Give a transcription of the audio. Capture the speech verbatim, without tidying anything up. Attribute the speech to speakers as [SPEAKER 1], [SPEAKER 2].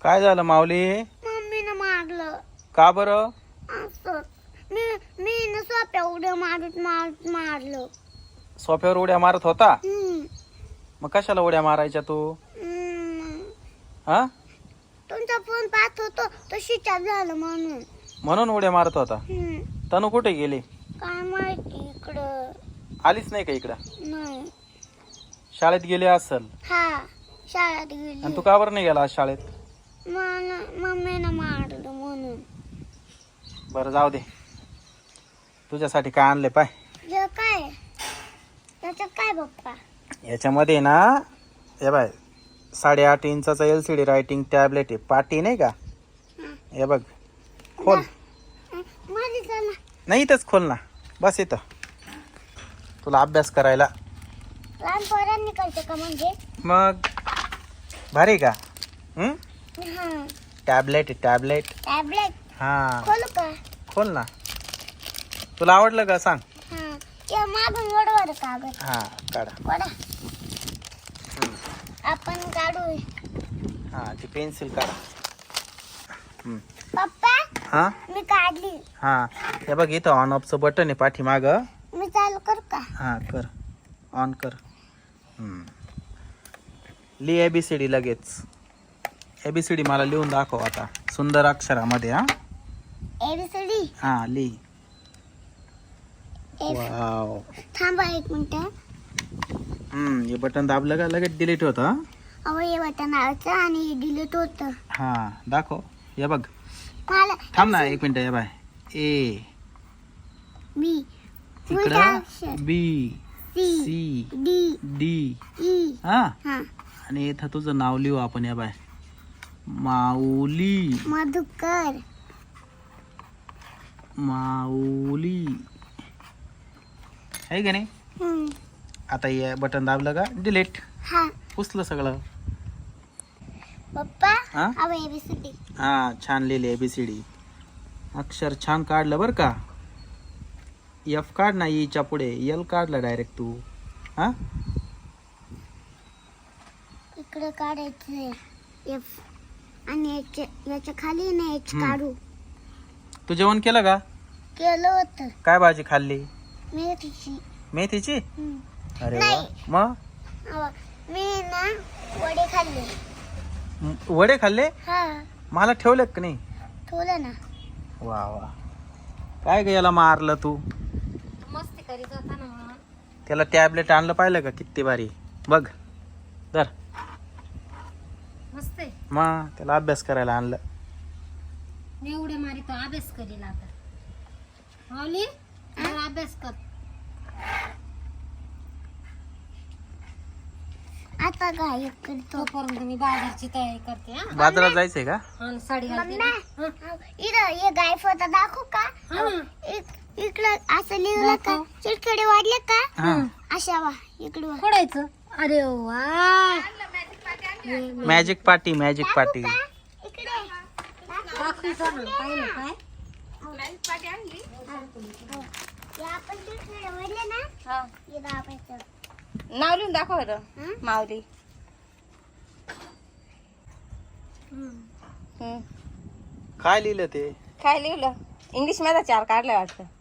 [SPEAKER 1] काय झालं माऊली?
[SPEAKER 2] मम्मीनं मारलं.
[SPEAKER 1] का बरं?
[SPEAKER 2] असं मी मी न सोप्या उड्या मारत मारत मारलं.
[SPEAKER 1] सोफ्यावर उड्या मारत होता?
[SPEAKER 2] हम्म.
[SPEAKER 1] मग कशाला उड्या मारायच्या तू?
[SPEAKER 2] हम्म.
[SPEAKER 1] हा
[SPEAKER 2] तुमचा फोन पाहत होतो तो शिचार झालं म्हणून.
[SPEAKER 1] म्हणून उड्या मारत होता?
[SPEAKER 2] हम्म.
[SPEAKER 1] तनू कुठे गेली?
[SPEAKER 2] काय माहिती इकडं
[SPEAKER 1] आलीच नाही का इकडं?
[SPEAKER 2] नाही.
[SPEAKER 1] शाळेत गेली असल.
[SPEAKER 2] हा शाळेत
[SPEAKER 1] आणि
[SPEAKER 2] गेली.
[SPEAKER 1] तू का बरं नाही गेला आज शाळेत?
[SPEAKER 2] मला मम्मीनं मारलं म्हणून.
[SPEAKER 1] बरं जाऊ दे, तुझ्यासाठी काय आणले पाय.
[SPEAKER 2] हे काय त्याच्यात काय पप्पा?
[SPEAKER 1] याच्यामध्ये ना हे बाय साडेआठ इंचाचा L C D writing tablet आहे. पाटी नाही का? हे बघ खोल.
[SPEAKER 2] माझी चला.
[SPEAKER 1] नाही इथंच खोल ना, बस इथं तुला अभ्यास करायला.
[SPEAKER 2] लहान पोरांनी करते का म्हणजे?
[SPEAKER 1] मग भारी का? हम्म
[SPEAKER 2] हा.
[SPEAKER 1] टॅबलेट आहे टॅबलेट.
[SPEAKER 2] टॅबलेट
[SPEAKER 1] हा
[SPEAKER 2] खोलू का?
[SPEAKER 1] खोल ना. तुला आवडलं का सांग?
[SPEAKER 2] हा. ते मागून वडवर कागद.
[SPEAKER 1] हा काढा.
[SPEAKER 2] वडा. आपण काढू.
[SPEAKER 1] हा ती पेन्सिल काढा. हम्म.
[SPEAKER 2] पप्पा
[SPEAKER 1] हा
[SPEAKER 2] मी काढली.
[SPEAKER 1] हा हे बघ इथं ऑन ऑफचं बटन आहे पाठीमाग.
[SPEAKER 2] मी चालू करू का?
[SPEAKER 1] हा कर, ऑन कर. हम्म. लिह एबीसीडी लगेच. एबीसीडी मला लिहून दाखव आता सुंदर अक्षरामध्ये. हा
[SPEAKER 2] एबीसीडी.
[SPEAKER 1] हा लिह.
[SPEAKER 2] एफ.
[SPEAKER 1] वाव.
[SPEAKER 2] थांबा एक मिनिट.
[SPEAKER 1] हम्म हे बटन दाबलं का लगेच डिलीट होतं.
[SPEAKER 2] अहो हे बटन आवायचं आणि डिलीट होतं.
[SPEAKER 1] हा दाखव. हे बघ
[SPEAKER 2] मला
[SPEAKER 1] थांब ना एक मिनिट. हे बाय ए
[SPEAKER 2] बी
[SPEAKER 1] इकडं B
[SPEAKER 2] C
[SPEAKER 1] C
[SPEAKER 2] D
[SPEAKER 1] D
[SPEAKER 2] E.
[SPEAKER 1] हा
[SPEAKER 2] हा.
[SPEAKER 1] आणि इथं तुझं नाव लिहू आपण. हे बाय माऊली.
[SPEAKER 2] मधुकर.
[SPEAKER 1] माऊली आहे का नाही?
[SPEAKER 2] हम्म.
[SPEAKER 1] आता हे बटन दाबलं का डिलीट.
[SPEAKER 2] हा.
[SPEAKER 1] पुसलं सगळं.
[SPEAKER 2] पप्पा
[SPEAKER 1] हा
[SPEAKER 2] अहो एबीसीडी.
[SPEAKER 1] हा छान लिहिले एबीसीडी. अक्षर छान काढलं बरं का. एफ काढ ना, ईच्या पुढे एल काढलं डायरेक्ट तू. हा
[SPEAKER 2] इकडे काढायचं एफ आणि याच्या याच्या खाली ना एच
[SPEAKER 1] हम्म.
[SPEAKER 2] काढू.
[SPEAKER 1] तू जेवण केलं का?
[SPEAKER 2] केलं होतं.
[SPEAKER 1] काय भाजी खाल्ली?
[SPEAKER 2] मेथीची.
[SPEAKER 1] मेथीची?
[SPEAKER 2] हम्म.
[SPEAKER 1] अरे वा.
[SPEAKER 2] नाही.
[SPEAKER 1] मग
[SPEAKER 2] अहो, मी ना वडे खाल्ले.
[SPEAKER 1] म- वडे खाल्ले?
[SPEAKER 2] हा
[SPEAKER 1] मला ठेवले का नाही?
[SPEAKER 2] ठेवलं ना.
[SPEAKER 1] वा वा. काय ग याला मारलं तू?
[SPEAKER 2] मस्ती करीत होता ना म्हणून.
[SPEAKER 1] त्याला टॅबलेट आणलं पाहिलं का किती भारी. बघ धर.
[SPEAKER 2] मस्त आहे.
[SPEAKER 1] मग त्याला अभ्यास करायला आणलं.
[SPEAKER 2] मी एवढे मारी तो अभ्यास करील आता. माऊली जरा अभ्यास कर. आता काय करतो पर्यंत मी बाजारची तयारी करते. हा
[SPEAKER 1] बाजारात जायचंय का?
[SPEAKER 2] आणि साडी घालते. इथं हे गाय फोटा दाखवू का? इक- इकडं असं लिहिलं का? चिडकडे वाढले का?
[SPEAKER 1] हा
[SPEAKER 2] अशा वा इकडं फोडायचं. अरे वा
[SPEAKER 1] मॅजिक पार्टी मॅजिक पार्टी.
[SPEAKER 2] इकडे दाखवायचं ना पाहिलं काय? हे आपण चिडकडे वाढले ना हे दाबायचं.
[SPEAKER 3] नाव लिहून दाखव बरं.
[SPEAKER 2] हं?
[SPEAKER 3] माऊली.
[SPEAKER 2] हं.
[SPEAKER 3] हं.
[SPEAKER 1] काय लिहिलं ते?
[SPEAKER 3] काय लिहिलं? इंग्लिश मध्ये चार काढलं वाटतं.